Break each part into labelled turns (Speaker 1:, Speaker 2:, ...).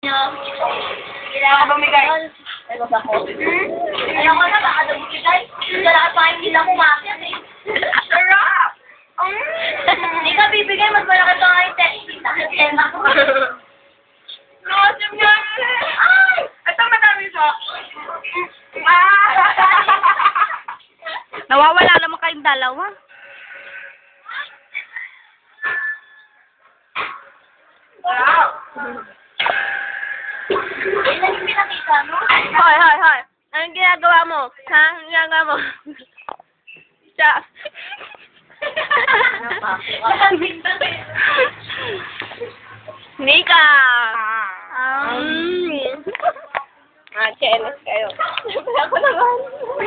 Speaker 1: Kailangan ka ba may guys? Ayoko sa ko. Ayoko na, baka dabuti guys. Wala pa hindi lang umakit eh. Sarap! Hindi ka bibigay, mas malaki pa nga yung text. Tema ko. Nosim nga. Ay! Ito madami siya.
Speaker 2: Nawawala naman kayong dalawa.
Speaker 1: Wow! Ilan yung pinakita, no?
Speaker 2: Hoy, hoy, hoy. Anong ginagawa mo? Ha? Anong ginagawa mo? Siya. Nika! Chenes kayo. Ako naman.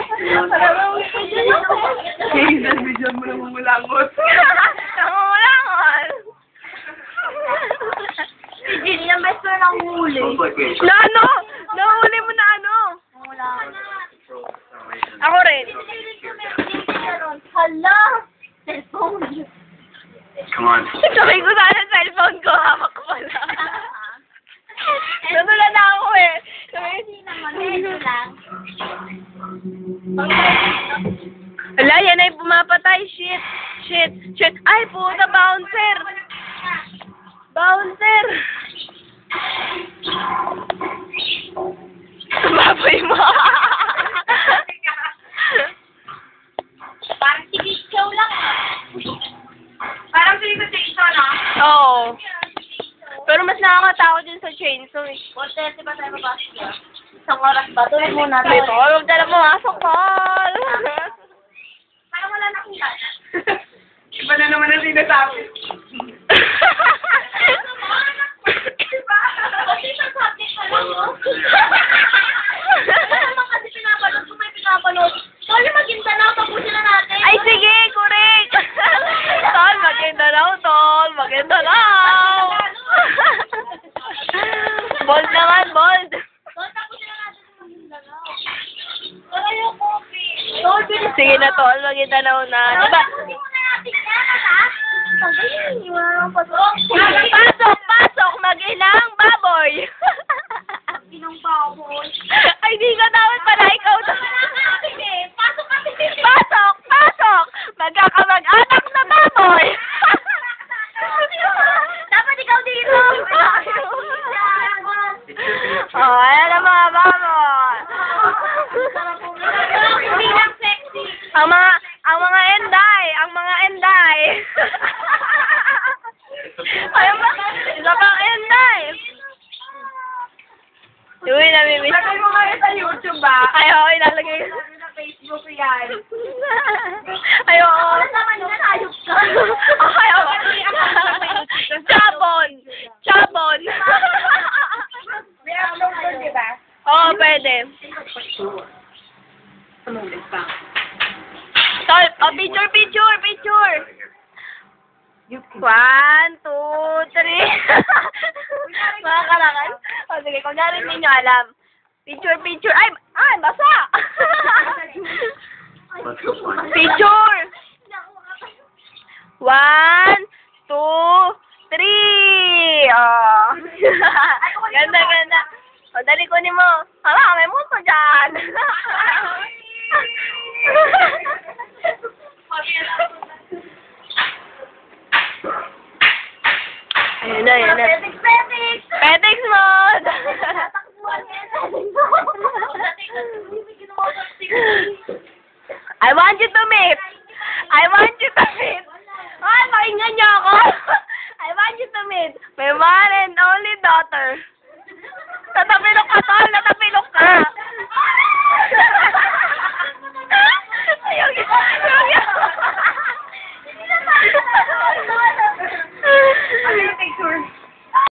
Speaker 1: Hazel, bigyan mo na mumulangot.
Speaker 2: Nangungulangon.
Speaker 1: Si Jenny ang best friend ang huli.
Speaker 2: Na ano? Nahuli mo na ano? Ako rin.
Speaker 1: Hala! Cellphone.
Speaker 3: Come on.
Speaker 2: Sabi ko sana cellphone ko. Hawak ko pala. Nanulan na ako eh.
Speaker 1: Hindi naman. Medyo lang.
Speaker 2: Wala, yan ay pumapatay. Shit. Shit. Shit. Ay, puta, bouncer. Bouncer. Baboy mo.
Speaker 1: Parang si Bicho lang. Parang si Bicho, no?
Speaker 2: Oo. Pero mas nakakatakot din sa chainsaw eh.
Speaker 1: 4:30 ba tayo mabasya? Isang oras ba? Tulog muna
Speaker 2: May
Speaker 1: tayo.
Speaker 2: tulog na lang pumasok, Paul.
Speaker 1: Parang wala na akong gana.
Speaker 3: Iba na naman ang sinasabi.
Speaker 1: Diba? Kasi sa subject pa lang, no? Ano naman kasi pinapanood kung may pinapanood. Sorry, Maguindanao, tapusin na natin.
Speaker 2: Ay, sige, correct. Tol, Maguindanao, tol. Maguindanao. Bold naman, bold.
Speaker 1: Tol, tapusin na natin sa Maguindanao. Tol, yung coffee. Tol, bilis.
Speaker 2: Sige na, tol. Maguindanao na. Diba?
Speaker 1: Tapusin muna natin yan, ha? Sabi, wala nang pasok.
Speaker 2: Pasok, pasok. Mag-inang baboy.
Speaker 1: Inang baboy.
Speaker 2: Ay, di ka dapat pala. Ikaw to.
Speaker 1: Pasok kasi.
Speaker 2: Pasok, pasok. Magkakamag-anak na baboy.
Speaker 1: Dapat ikaw dito.
Speaker 2: Oh, ayan ang mga baboy.
Speaker 1: Hindi lang sexy.
Speaker 2: Ang mga enday, Ay, isa pang enday. Uy, namimiss.
Speaker 1: Lagay mo kayo sa YouTube ba?
Speaker 2: Ay, oo, ilalagay.
Speaker 1: Sa Facebook yan.
Speaker 2: Ay, oo.
Speaker 1: Wala naman yan, ayok ka.
Speaker 2: Ay, oo. Chabon. Chabon.
Speaker 1: May upload doon, di ba?
Speaker 2: Oo, pwede. Tol, oh, picture. 1, 2, 3. Mga karangan. O, sige, kung narin ninyo alam. Picture. Ay, basa!
Speaker 3: Let's go find it.
Speaker 2: Picture! 1, 2, 3. Oh. Ganda. O, dali kunin mo. Hala, may muso dyan. Ayun na.
Speaker 1: Petics!
Speaker 2: Petics mode!
Speaker 1: Tatakbuhan
Speaker 2: I want you to meet. Ay, pakinggan niyo ako. I want you to meet my one and only daughter. Tatabi ng katol.